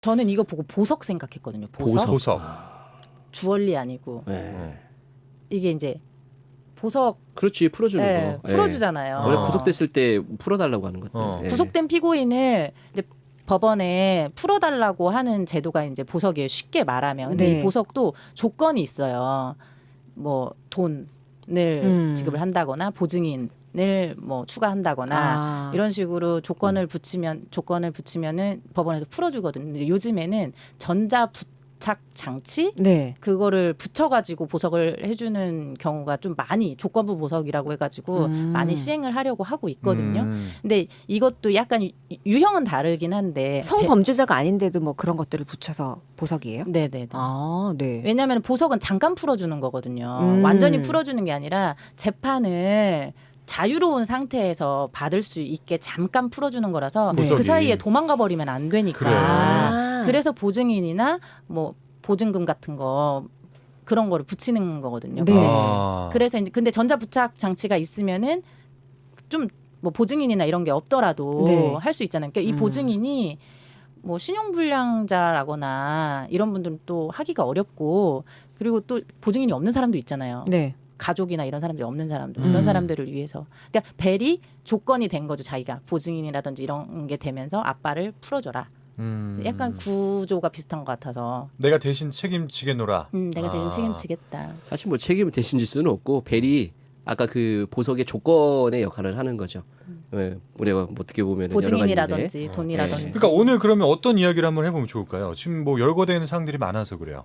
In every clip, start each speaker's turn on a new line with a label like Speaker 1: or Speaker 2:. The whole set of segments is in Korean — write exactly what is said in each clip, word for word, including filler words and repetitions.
Speaker 1: 저는 이거 보고 보석 생각했거든요. 보석.
Speaker 2: 보석.
Speaker 1: 주얼리 아니고
Speaker 3: 네.
Speaker 1: 이게 이제 보석.
Speaker 3: 그렇지 풀어주는
Speaker 1: 네,
Speaker 3: 거.
Speaker 1: 풀어주잖아요.
Speaker 3: 원래
Speaker 2: 어.
Speaker 3: 구속됐을 때 풀어달라고 하는 것들.
Speaker 2: 어.
Speaker 3: 예.
Speaker 1: 구속된 피고인을 이제 법원에 풀어달라고 하는 제도가 이제 보석이에요. 쉽게 말하면. 근데
Speaker 4: 네.
Speaker 1: 이 보석도 조건이 있어요. 뭐 돈을
Speaker 4: 음.
Speaker 1: 지급을 한다거나 보증인을 뭐 추가한다거나
Speaker 4: 아.
Speaker 1: 이런 식으로 조건을 붙이면 조건을 붙이면은 법원에서 풀어주거든요. 근데 요즘에는 전자 부착 장치
Speaker 4: 네.
Speaker 1: 그거를 붙여가지고 보석을 해주는 경우가 좀 많이 조건부 보석이라고 해가지고
Speaker 4: 음.
Speaker 1: 많이 시행을 하려고 하고 있거든요.
Speaker 2: 음.
Speaker 1: 근데 이것도 약간 유- 유형은 다르긴 한데
Speaker 4: 성범죄자가 아닌데도 뭐 그런 것들을 붙여서 보석이에요?
Speaker 1: 배- 네네네.
Speaker 4: 아, 네.
Speaker 1: 왜냐하면 보석은 잠깐 풀어주는 거거든요.
Speaker 4: 음.
Speaker 1: 완전히 풀어주는 게 아니라 재판을 자유로운 상태에서 받을 수 있게 잠깐 풀어주는 거라서
Speaker 4: 네.
Speaker 1: 그
Speaker 2: 보석이.
Speaker 1: 사이에 도망가 버리면 안 되니까.
Speaker 2: 그래.
Speaker 4: 아.
Speaker 1: 그래서 보증인이나 뭐 보증금 같은 거 그런 거를 붙이는 거거든요.
Speaker 4: 네.
Speaker 1: 근데
Speaker 2: 아.
Speaker 1: 그래서 이제 근데 전자 부착 장치가 있으면은 좀 뭐 보증인이나 이런 게 없더라도
Speaker 4: 네.
Speaker 1: 할 수 있잖아요. 그러니까 이
Speaker 4: 음.
Speaker 1: 보증인이 뭐 신용불량자라거나 이런 분들은 또 하기가 어렵고 그리고 또 보증인이 없는 사람도 있잖아요.
Speaker 4: 네.
Speaker 1: 가족이나 이런 사람들이 없는 사람들
Speaker 2: 음.
Speaker 1: 이런 사람들을 위해서 그러니까 벨이 조건이 된 거죠. 자기가 보증인이라든지 이런 게 되면서 아빠를 풀어줘라.
Speaker 2: 음.
Speaker 1: 약간 구조가 비슷한 것 같아서
Speaker 2: 내가 대신 책임지겠노라.
Speaker 1: 음, 내가 대신
Speaker 2: 아.
Speaker 1: 책임지겠다.
Speaker 3: 사실 뭐 책임을 대신 질 수는 없고 벨이 아까 그 보석의 조건의 역할을 하는 거죠. 예, 우리가 뭐 어떻게 보면 여러 가지인데
Speaker 1: 보증인이라든지 돈이라든지.
Speaker 3: 네.
Speaker 2: 그러니까 오늘 그러면 어떤 이야기를 한번 해보면 좋을까요? 지금 뭐 열거되는 사항들이 많아서 그래요.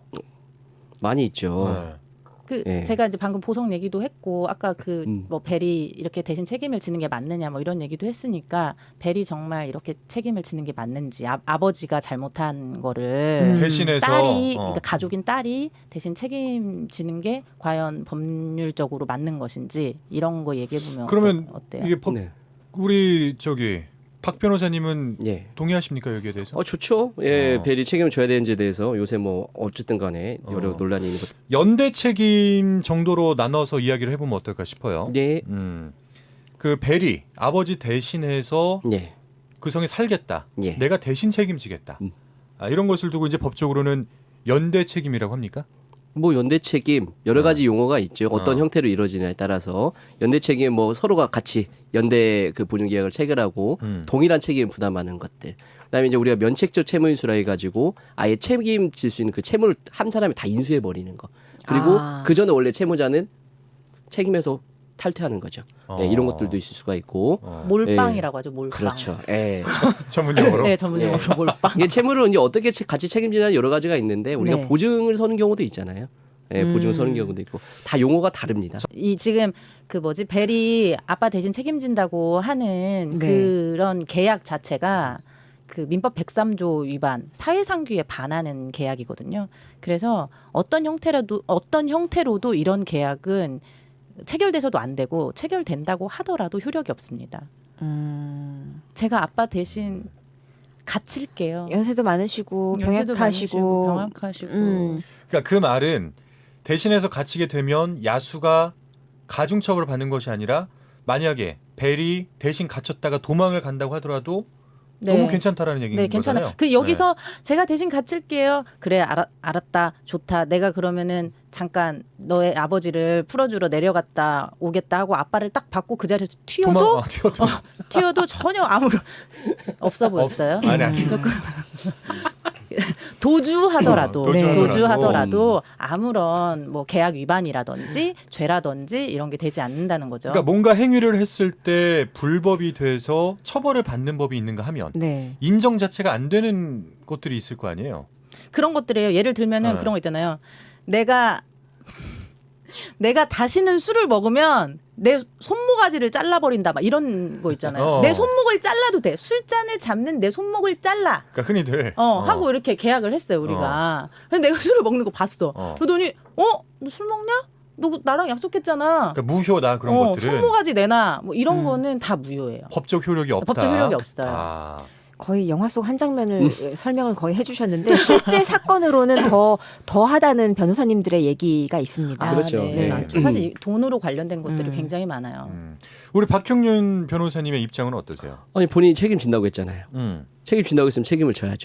Speaker 3: 많이 있죠.
Speaker 2: 네.
Speaker 1: 그
Speaker 3: 예.
Speaker 1: 제가 이제 방금 보석 얘기도 했고 아까 그
Speaker 3: 음.
Speaker 1: 뭐 벨이 이렇게 대신 책임을 지는 게 맞느냐 뭐 이런 얘기도 했으니까 벨이 정말 이렇게 책임을 지는 게 맞는지 아, 아버지가 잘못한 거를
Speaker 4: 음.
Speaker 2: 대신해서
Speaker 1: 딸이
Speaker 2: 어.
Speaker 1: 그러니까 가족인 딸이 대신 책임지는 게 과연 법률적으로 맞는 것인지 이런 거 얘기해 보면
Speaker 2: 그러면
Speaker 1: 어때요?
Speaker 2: 이게 법,
Speaker 3: 네.
Speaker 2: 우리 저기 박 변호사님은
Speaker 3: 예.
Speaker 2: 동의하십니까 여기에 대해서?
Speaker 3: 어 좋죠. 예,
Speaker 2: 어.
Speaker 3: 벨이 책임을 져야 되는지에 대해서 요새 뭐 어쨌든 간에 여러
Speaker 2: 어.
Speaker 3: 논란이 있는 것.
Speaker 2: 연대 책임 정도로 나눠서 이야기를 해보면 어떨까 싶어요.
Speaker 3: 네.
Speaker 2: 음. 그 벨이 아버지 대신해서
Speaker 3: 예.
Speaker 2: 그 성에 살겠다.
Speaker 3: 예.
Speaker 2: 내가 대신 책임지겠다.
Speaker 3: 음.
Speaker 2: 아, 이런 것을 두고 이제 법적으로는 연대 책임이라고 합니까?
Speaker 3: 뭐 연대 책임 여러 가지 용어가 있죠. 어떤
Speaker 2: 어.
Speaker 3: 형태로 이루어지냐에 따라서 연대 책임 뭐 서로가 같이 연대 그 보증 계약을 체결하고
Speaker 2: 음.
Speaker 3: 동일한 책임을 부담하는 것들. 그다음에 이제 우리가 면책적 채무 인수라 해가지고 아예 책임질 수 있는 그 채무를 한 사람이 다 인수해 버리는 거. 그리고
Speaker 4: 아.
Speaker 3: 그 전에 원래 채무자는 책임에서 탈퇴하는 거죠.
Speaker 2: 어.
Speaker 3: 네, 이런 것들도 있을 수가 있고.
Speaker 2: 어.
Speaker 1: 몰빵이라고 하죠. 몰빵.
Speaker 3: 그렇죠. 예.
Speaker 2: 전문 용어로.
Speaker 1: 네, 전문 용어로 몰빵.
Speaker 3: 이게 채무를 이제 어떻게 채- 같이 책임지는 여러 가지가 있는데 우리가
Speaker 4: 네.
Speaker 3: 보증을 서는 경우도 있잖아요. 예, 보증을
Speaker 4: 음.
Speaker 3: 서는 경우도 있고 다 용어가 다릅니다.
Speaker 1: 이 지금 그 뭐지 벨이 아빠 대신 책임진다고 하는
Speaker 4: 네.
Speaker 1: 그런 계약 자체가 그 민법 백삼 조 위반 사회상규에 반하는 계약이거든요. 그래서 어떤 형태라도 어떤 형태로도 이런 계약은 체결돼서도 안 되고 체결된다고 하더라도 효력이 없습니다.
Speaker 4: 음.
Speaker 1: 제가 아빠 대신 갇힐게요.
Speaker 4: 연세도 많으시고
Speaker 1: 연세도 많으시고,
Speaker 4: 병약하시고
Speaker 1: 병약하시고
Speaker 4: 음.
Speaker 2: 그러니까 그 말은 대신해서 갇히게 되면 야수가 가중처벌을 받는 것이 아니라 만약에 벨이 대신 갇혔다가 도망을 간다고 하더라도
Speaker 1: 네.
Speaker 2: 너무 괜찮다라는 얘기인
Speaker 1: 네, 괜찮아요.
Speaker 2: 거잖아요.
Speaker 1: 그 여기서 제가 대신 갇힐게요. 그래, 알아, 알았다, 좋다. 내가 그러면은 잠깐 너의 아버지를 풀어주러 내려갔다 오겠다 하고 아빠를 딱 받고 그 자리에서
Speaker 2: 네.
Speaker 1: 튀어도
Speaker 2: 도망, 아, 튀어도
Speaker 1: 어, 튀어도 전혀 아무런 없어 보였어요.
Speaker 2: 아니, 아니.
Speaker 1: 조금 도주하더라도
Speaker 2: 어, 도주하더라도.
Speaker 1: 도주하더라도 아무런 뭐 계약 위반이라든지 죄라든지 이런 게 되지 않는다는 거죠.
Speaker 2: 그러니까 뭔가 행위를 했을 때 불법이 돼서 처벌을 받는 법이 있는가 하면
Speaker 4: 네.
Speaker 2: 인정 자체가 안 되는 것들이 있을 거 아니에요.
Speaker 1: 그런 것들이에요. 예를 들면은
Speaker 2: 네.
Speaker 1: 그런 거 있잖아요. 내가 내가 다시는 술을 먹으면 내 손모가지를 잘라버린다 막 이런 거 있잖아요.
Speaker 2: 어.
Speaker 1: 내 손목을 잘라도 돼. 술잔을 잡는 내 손목을 잘라.
Speaker 2: 그러니까 흔히들
Speaker 1: 어,
Speaker 2: 어.
Speaker 1: 하고 이렇게 계약을 했어요 우리가. 근데 내가 술을 먹는 거 봤어.
Speaker 2: 어.
Speaker 1: 그러더니 어? 너 술 먹냐? 너 나랑 약속했잖아.
Speaker 2: 그러니까 무효다 그런
Speaker 1: 어,
Speaker 2: 것들은
Speaker 1: 손모가지 내놔. 뭐 이런
Speaker 4: 음.
Speaker 1: 거는 다 무효예요.
Speaker 2: 법적 효력이 없다.
Speaker 1: 법적 효력이 없어요.
Speaker 2: 아.
Speaker 4: 거의 영화 속 한 장면을 설명을 거의 해주셨는데 실제 사건으로는 더 더하다는 변호사님들의 얘기가 있습니다.
Speaker 1: 아,
Speaker 3: 그렇죠.
Speaker 1: 네.
Speaker 3: 네.
Speaker 1: 많죠. 사실 돈으로 관련된 것들이
Speaker 4: 음.
Speaker 1: 굉장히 많아요.
Speaker 2: 음. 우리 박형윤 변호사님의 입장은 어떠세요?
Speaker 3: 아니 본인이 책임진다고 했잖아요.
Speaker 2: 음.
Speaker 3: 책임진다고 했으면 책임을 져야죠.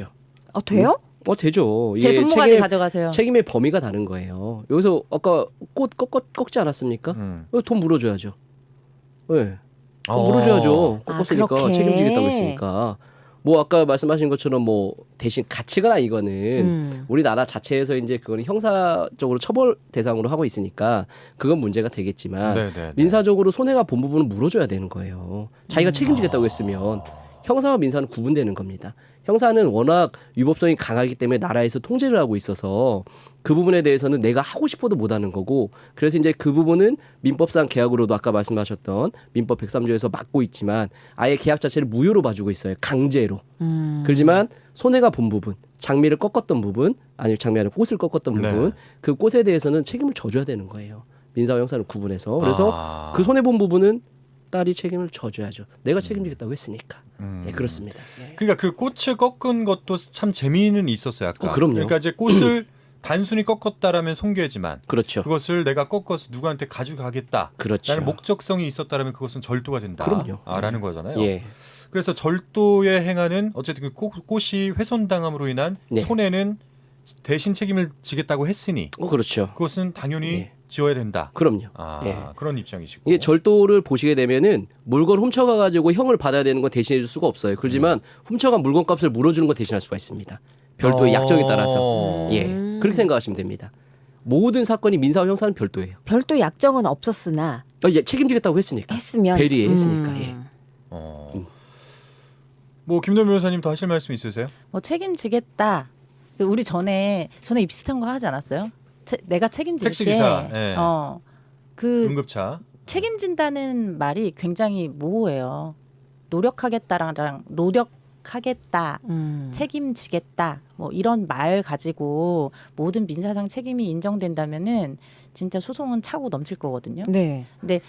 Speaker 4: 어 돼요?
Speaker 3: 어 되죠.
Speaker 1: 제
Speaker 3: 이게
Speaker 1: 손모가지
Speaker 3: 책임,
Speaker 1: 가져가세요.
Speaker 3: 책임의 범위가 다른 거예요. 여기서 아까 꽃 꺾, 꺾, 꺾지 않았습니까?
Speaker 2: 음.
Speaker 3: 어, 돈 물어줘야죠. 네. 돈
Speaker 2: 어.
Speaker 3: 물어줘야죠.
Speaker 4: 아,
Speaker 3: 꺾었으니까
Speaker 4: 그렇게.
Speaker 3: 책임지겠다고 했으니까. 뭐 아까 말씀하신 것처럼 뭐 대신 가치거나 이거는
Speaker 4: 음.
Speaker 3: 우리나라 자체에서 이제 그거는 형사적으로 처벌 대상으로 하고 있으니까 그건 문제가 되겠지만
Speaker 2: 네네.
Speaker 3: 민사적으로 손해가 본 부분은 물어줘야 되는 거예요. 자기가 책임지겠다고 했으면 형사와 민사는 구분되는 겁니다. 형사는 워낙 위법성이 강하기 때문에 나라에서 통제를 하고 있어서 그 부분에 대해서는 내가 하고 싶어도 못하는 거고 그래서 이제 그 부분은 민법상 계약으로도 아까 말씀하셨던 민법 백삼 조에서 막고 있지만 아예 계약 자체를 무효로 봐주고 있어요. 강제로.
Speaker 4: 음.
Speaker 3: 그렇지만 손해가 본 부분, 장미를 꺾었던 부분, 아니 장미 아니라 꽃을 꺾었던
Speaker 2: 네.
Speaker 3: 부분, 그 꽃에 대해서는 책임을 져줘야 되는 거예요. 민사와 형사를 구분해서. 그래서
Speaker 2: 아.
Speaker 3: 그 손해 본 부분은 딸이 책임을 져줘야죠. 내가 책임지겠다고 했으니까.
Speaker 2: 음.
Speaker 3: 네, 그렇습니다. 네.
Speaker 2: 그러니까 그 꽃을 꺾은 것도 참 재미는 있었어요. 아까.
Speaker 3: 어, 그럼요.
Speaker 2: 그러니까 이제 꽃을 단순히 꺾었다라면 송괴지만
Speaker 3: 그렇죠.
Speaker 2: 그것을 내가 꺾어서 누구한테 가져가겠다.
Speaker 3: 그렇죠.
Speaker 2: 라는 목적성이 있었다라면 그것은 절도가 된다.
Speaker 3: 그럼요.
Speaker 2: 아, 라는 거잖아요.
Speaker 3: 예.
Speaker 2: 그래서 절도에 행하는 어쨌든 그 꽃, 꽃이 훼손당함으로 인한
Speaker 3: 네.
Speaker 2: 손해는 대신 책임을 지겠다고 했으니
Speaker 3: 어, 그렇죠.
Speaker 2: 그것은 당연히
Speaker 3: 예.
Speaker 2: 지어야 된다.
Speaker 3: 그럼요.
Speaker 2: 아,
Speaker 3: 예.
Speaker 2: 그런 입장이시고.
Speaker 3: 이게 절도를 보시게 되면은 물건 훔쳐가 가지고 형을 받아야 되는 건 대신해 줄 수가 없어요. 그렇지만 훔쳐간 물건 값을 물어주는 건 대신할 수가 있습니다. 별도의
Speaker 2: 어.
Speaker 3: 약정에 따라서. 예.
Speaker 4: 음.
Speaker 3: 그렇게 생각하시면 됩니다. 모든 사건이 민사와 형사는 별도예요.
Speaker 4: 별도 약정은 없었으나
Speaker 3: 어, 예, 책임지겠다고 했으니까.
Speaker 4: 했으면
Speaker 3: 배리에 했으니까.
Speaker 4: 음.
Speaker 3: 예.
Speaker 2: 어.
Speaker 3: 음.
Speaker 2: 뭐 김동 변호사님 더 하실 말씀 있으세요?
Speaker 1: 뭐 책임지겠다. 그 우리 전에 전에 이 비슷한 거 하지 않았어요? 채, 내가 책임질게.
Speaker 2: 택시기사, 예.
Speaker 1: 어. 그
Speaker 2: 응급차.
Speaker 1: 책임진다는 말이 굉장히 모호해요. 노력하겠다랑 노력하겠다,
Speaker 4: 음.
Speaker 1: 책임지겠다, 뭐 이런 말 가지고 모든 민사상 책임이 인정된다면은 진짜 소송은 차고 넘칠 거거든요.
Speaker 4: 네.
Speaker 1: 근데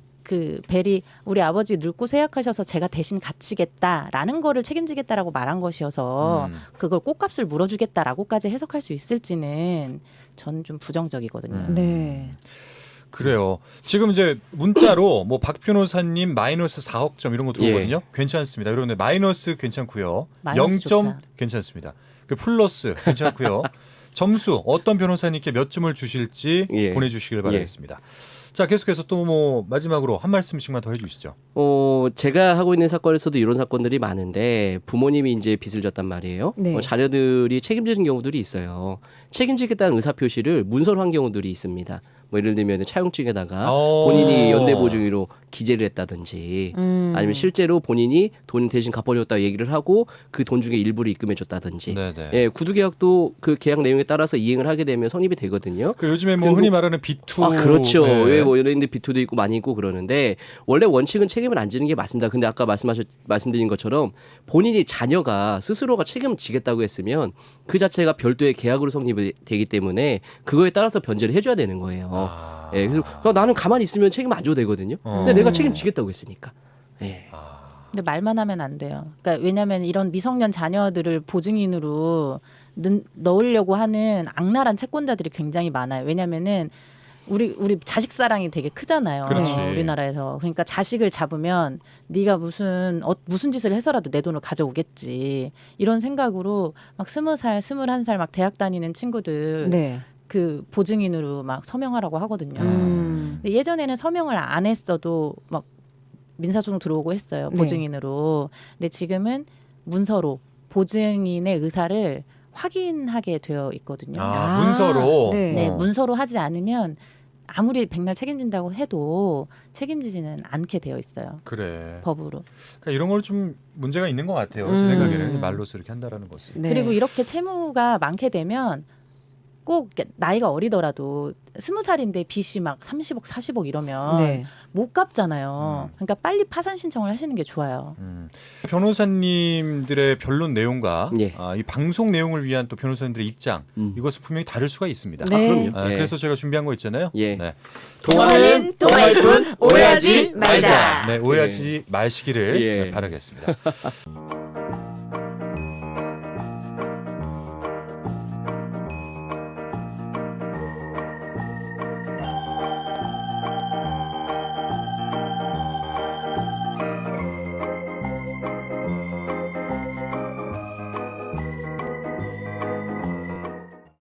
Speaker 1: 그 벨이 우리 아버지 늙고 세약하셔서 제가 대신 갇히겠다라는 거를 책임지겠다라고 말한 것이어서
Speaker 2: 음.
Speaker 1: 그걸 꽃값을 물어주겠다라고까지 해석할 수 있을지는 저는 좀 부정적이거든요.
Speaker 2: 음.
Speaker 4: 네.
Speaker 2: 그래요. 지금 이제 문자로 뭐 박 변호사님 마이너스 사억 점 이런 거 들어오거든요. 괜찮습니다. 여러분들 마이너스 괜찮고요.
Speaker 1: 마이너스
Speaker 2: 영 점
Speaker 1: 좋다.
Speaker 2: 괜찮습니다. 그 플러스 괜찮고요. 점수 어떤 변호사님께 몇 점을 주실지
Speaker 3: 예.
Speaker 2: 보내주시길 바라겠습니다. 자, 계속해서 또 뭐 마지막으로 한 말씀씩만 더 해주시죠.
Speaker 3: 어, 제가 하고 있는 사건에서도 이런 사건들이 많은데 부모님이 이제 빚을 졌단 말이에요.
Speaker 4: 네.
Speaker 3: 어, 자녀들이 책임지는 경우들이 있어요. 책임지겠다는 의사 표시를 문서로 한 경우들이 있습니다. 뭐 예를 들면 차용증에다가
Speaker 2: 어.
Speaker 3: 본인이 연대보증으로 기재를 했다든지
Speaker 4: 음.
Speaker 3: 아니면 실제로 본인이 돈 대신 갚아줬다 얘기를 하고 그 돈 중에 일부를 입금해줬다든지.
Speaker 2: 네네.
Speaker 3: 예, 구두계약도 그 계약 내용에 따라서 이행을 하게 되면 성립이 되거든요.
Speaker 2: 그 요즘에 뭐
Speaker 3: 등록-
Speaker 2: 흔히 말하는 비투.
Speaker 3: 아, 그렇죠.
Speaker 2: 네.
Speaker 3: 왜 뭐 연예인들 비투도 있고 많이 있고 그러는데 원래 원칙은 책임을 안 지는 게 맞습니다. 근데 아까 말씀하셨 말씀드린 것처럼 본인이 자녀가 스스로가 책임을 지겠다고 했으면 그 자체가 별도의 계약으로 성립이 되기 때문에 그거에 따라서 변제를 해줘야 되는 거예요.
Speaker 2: 아.
Speaker 3: 예, 그래서 나는 가만히 있으면 책임 안 줘도 되거든요. 근데
Speaker 2: 어.
Speaker 3: 내가 책임지겠다고 했으니까. 예.
Speaker 1: 근데 말만 하면 안 돼요. 그러니까 왜냐하면 이런 미성년 자녀들을 보증인으로 넣, 넣으려고 하는 악랄한 채권자들이 굉장히 많아요. 왜냐하면은 우리 우리 자식 사랑이 되게 크잖아요.
Speaker 2: 그렇지.
Speaker 1: 어, 우리나라에서. 그러니까 자식을 잡으면 네가 무슨 어, 무슨 짓을 해서라도 내 돈을 가져오겠지. 이런 생각으로 막 스무 살, 스물한 살 막 대학 다니는 친구들
Speaker 4: 네.
Speaker 1: 그 보증인으로 막 서명하라고 하거든요.
Speaker 4: 음.
Speaker 1: 근데 예전에는 서명을 안 했어도 막 민사소송 들어오고 했어요.
Speaker 4: 네.
Speaker 1: 보증인으로. 근데 지금은 문서로 보증인의 의사를 확인하게 되어 있거든요.
Speaker 2: 아,
Speaker 4: 아,
Speaker 2: 문서로.
Speaker 4: 네.
Speaker 1: 네,
Speaker 2: 어.
Speaker 1: 문서로 하지 않으면 아무리 백날 책임진다고 해도 책임지지는 않게 되어 있어요.
Speaker 2: 그래.
Speaker 1: 법으로.
Speaker 2: 그러니까 이런 걸 좀 문제가 있는 것 같아요. 제
Speaker 4: 음.
Speaker 2: 생각에는 말로서 이렇게 한다라는 것은.
Speaker 4: 네.
Speaker 1: 그리고 이렇게 채무가 많게 되면 꼭 나이가 어리더라도 스무 살인데 빚이 막 삼십억, 사십억 이러면
Speaker 4: 네.
Speaker 1: 못 갚잖아요.
Speaker 2: 음.
Speaker 1: 그러니까 빨리 파산 신청을 하시는 게 좋아요.
Speaker 2: 음. 변호사님들의 변론 내용과
Speaker 3: 예.
Speaker 2: 아, 이 방송 내용을 위한 또 변호사님들의 입장
Speaker 3: 음.
Speaker 2: 이것은 분명히 다를 수가 있습니다.
Speaker 4: 네.
Speaker 3: 아, 그럼요.
Speaker 2: 아,
Speaker 3: 예.
Speaker 2: 그래서 제가 준비한 거 있잖아요.
Speaker 3: 예.
Speaker 2: 네.
Speaker 4: 통화는 통화일 뿐 오해하지 말자.
Speaker 2: 네, 오해하지 마시기를
Speaker 3: 예.
Speaker 2: 네, 바라겠습니다.